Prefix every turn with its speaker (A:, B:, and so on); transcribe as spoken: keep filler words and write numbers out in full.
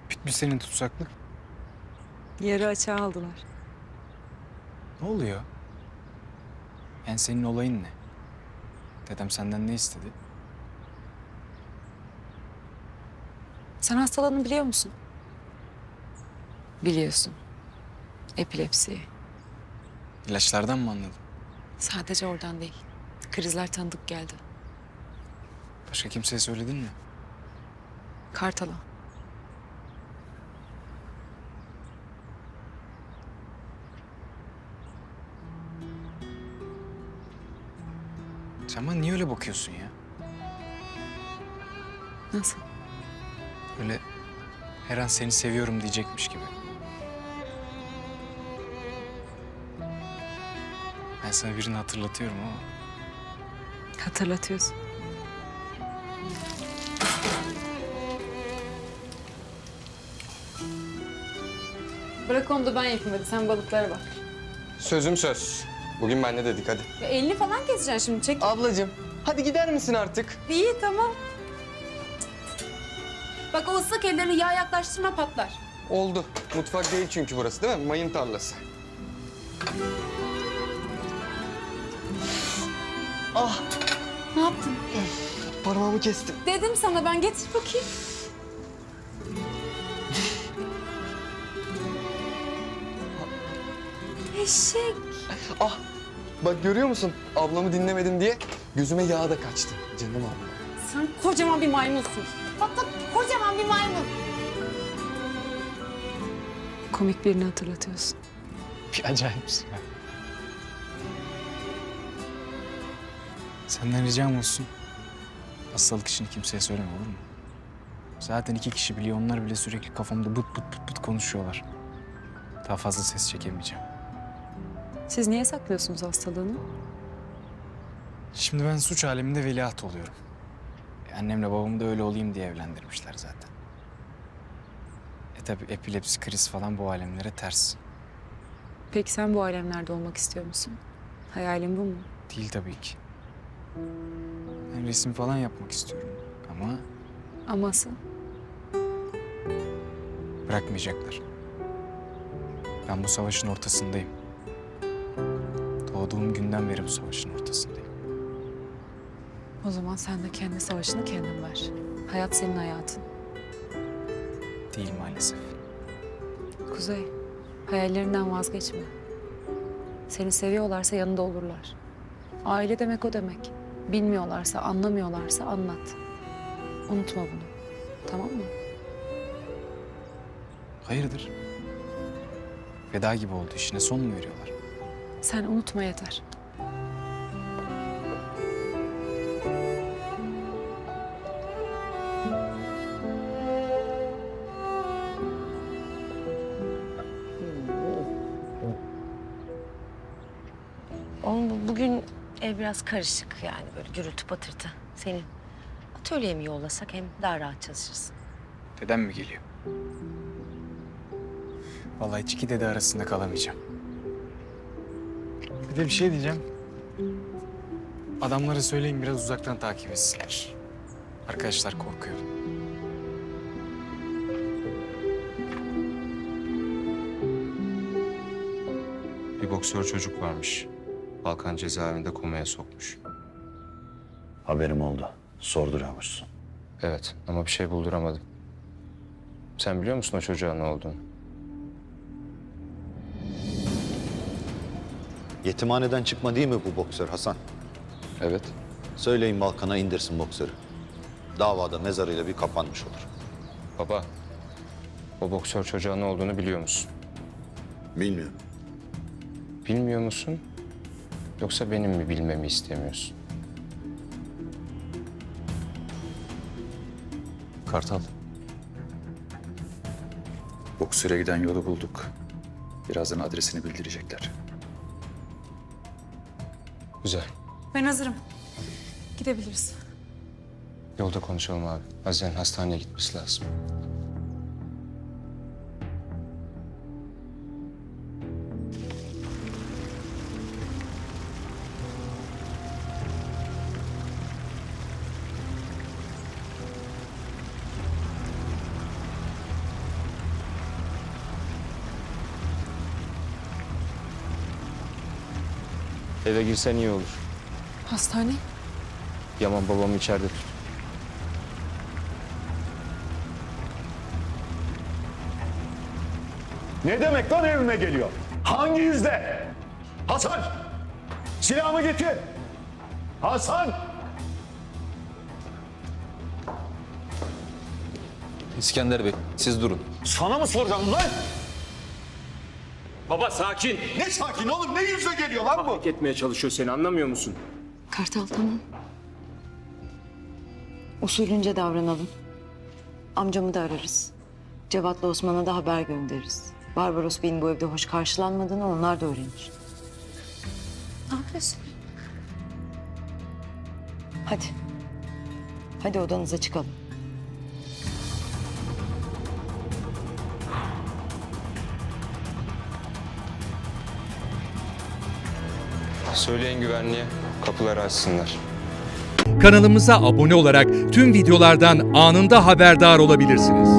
A: Bitmiş senin tutsaklık.
B: Yarı açığa aldılar.
A: Ne oluyor? Yani senin olayın ne? Dedem senden ne istedi?
B: Sen hastalığını biliyor musun? Biliyorsun. Epilepsi.
A: İlaçlardan mı anladın?
B: Sadece oradan değil. Krizler tanıdık geldi.
A: Başka kimseye söyledin mi?
B: Kartal'a.
A: Sen bana niye öyle bakıyorsun ya?
B: Nasıl?
A: Öyle her an seni seviyorum diyecekmiş gibi. Ben sana birini hatırlatıyorum ama
B: Hatırlatıyorsun. Bırak onu da ben yapayım hadi. Sen balıklara bak.
C: Sözüm söz. Bugün ben ne dedik hadi.
B: Ya elini falan keseceksin şimdi. Çek.
C: Ablacığım hadi gider misin artık?
B: İyi tamam. Bak o ıslak ellerini yağ yaklaştırma patlar.
C: Oldu. Mutfak değil çünkü burası değil mi? Mayın tarlası. Ah
B: Ne yaptın?
C: parmağımı kestim.
B: Dedim sana ben getir bakayım. Eşek.
C: Ah bak görüyor musun? Ablamı dinlemedim diye gözüme yağ da kaçtı. Canım abla.
B: Sen kocaman bir maymunsun. Bak bak kocaman bir maymun. Komik birini hatırlatıyorsun.
A: bir acayipsin ya. Senden ricam olsun. Hastalık işini kimseye söyleme olur mu? Zaten iki kişi biliyor. Onlar bile sürekli kafamda bıt bıt bıt bıt konuşuyorlar. Daha fazla ses çekemeyeceğim.
B: Siz niye saklıyorsunuz hastalığını?
A: Şimdi ben suç aleminde veliaht oluyorum. E, annemle babamı da öyle olayım diye evlendirmişler zaten. E tabi epilepsi, kriz falan bu alemlere ters.
B: Peki sen bu alemlerde olmak istiyor musun? Hayalin bu mu?
A: Değil tabii ki. Ben resim falan yapmak istiyorum ama
B: Aması.
A: bırakmayacaklar. Ben bu savaşın ortasındayım. Doğduğum günden beri bu savaşın ortasındayım.
B: O zaman sen de kendi savaşını kendin ver. Hayat senin hayatın.
A: Değil maalesef.
B: Kuzey, hayallerinden vazgeçme. Seni seviyorlarsa yanında olurlar. Aile demek o demek. Bilmiyorlarsa, anlamıyorlarsa anlat. Unutma bunu. Tamam mı?
A: Hayırdır? Veda gibi oldu. İşine son mu veriyorlar?
B: Sen unutma yeter.
D: Oğlum bu- bugün ev biraz karışık yani böyle gürültü patırtı. Senin atölyeye mi yollasak hem daha rahat çalışırsın.
A: Dedem mi geliyor? Vallahi hiç iki dede arasında kalamayacağım. Bir de bir şey diyeceğim. Adamlara söyleyin biraz uzaktan takip etsinler. Arkadaşlar korkuyor.
E: Bir boksör çocuk varmış. Balkan cezaevinde komaya sokmuş.
F: Haberim oldu. Sorduruyormuşsun.
E: Evet ama bir şey bulduramadım. Sen biliyor musun o çocuğa ne olduğunu?
F: Yetimhaneden çıkma değil mi bu boksör Hasan?
E: Evet.
F: Söyleyin Balkan'a indirsin boksörü. Davada mezarıyla bir kapanmış olur.
E: Baba, o boksör çocuğa ne olduğunu biliyor musun?
F: Bilmiyorum.
E: Bilmiyor musun? Yoksa benim mi bilmemi istemiyorsun?
G: Kartal. Boksöre giden yolu bulduk. Birazdan adresini bildirecekler.
E: Güzel.
B: Ben hazırım. Gidebiliriz.
E: Yolda konuşalım abi. Haziran hastaneye gitmesi lazım. Eve girsen iyi olur.
B: Hastane?
E: Yaman babamı içeride tut.
H: Ne demek lan evime geliyor? Hangi yüzde? Hasan! Silahımı getir! Hasan!
F: İskender Bey, siz durun.
H: Sana mı soracağım lan?
E: Baba sakin.
H: Ne sakin oğlum, ne yüzle geliyor lan bu?
E: Hak etmeye çalışıyor seni, anlamıyor musun?
I: Kartal tamam. Usulünce davranalım. Amcamı da ararız. Cevat'la Osman'a da haber göndeririz. Barbaros Bey'in bu evde hoş karşılanmadığını onlar da öğrenir.
B: Ne yapıyorsun?
I: Hadi. Hadi odanıza çıkalım.
E: Söyleyin güvenliğe, kapıları açsınlar.
J: Kanalımıza abone olarak tüm videolardan anında haberdar olabilirsiniz.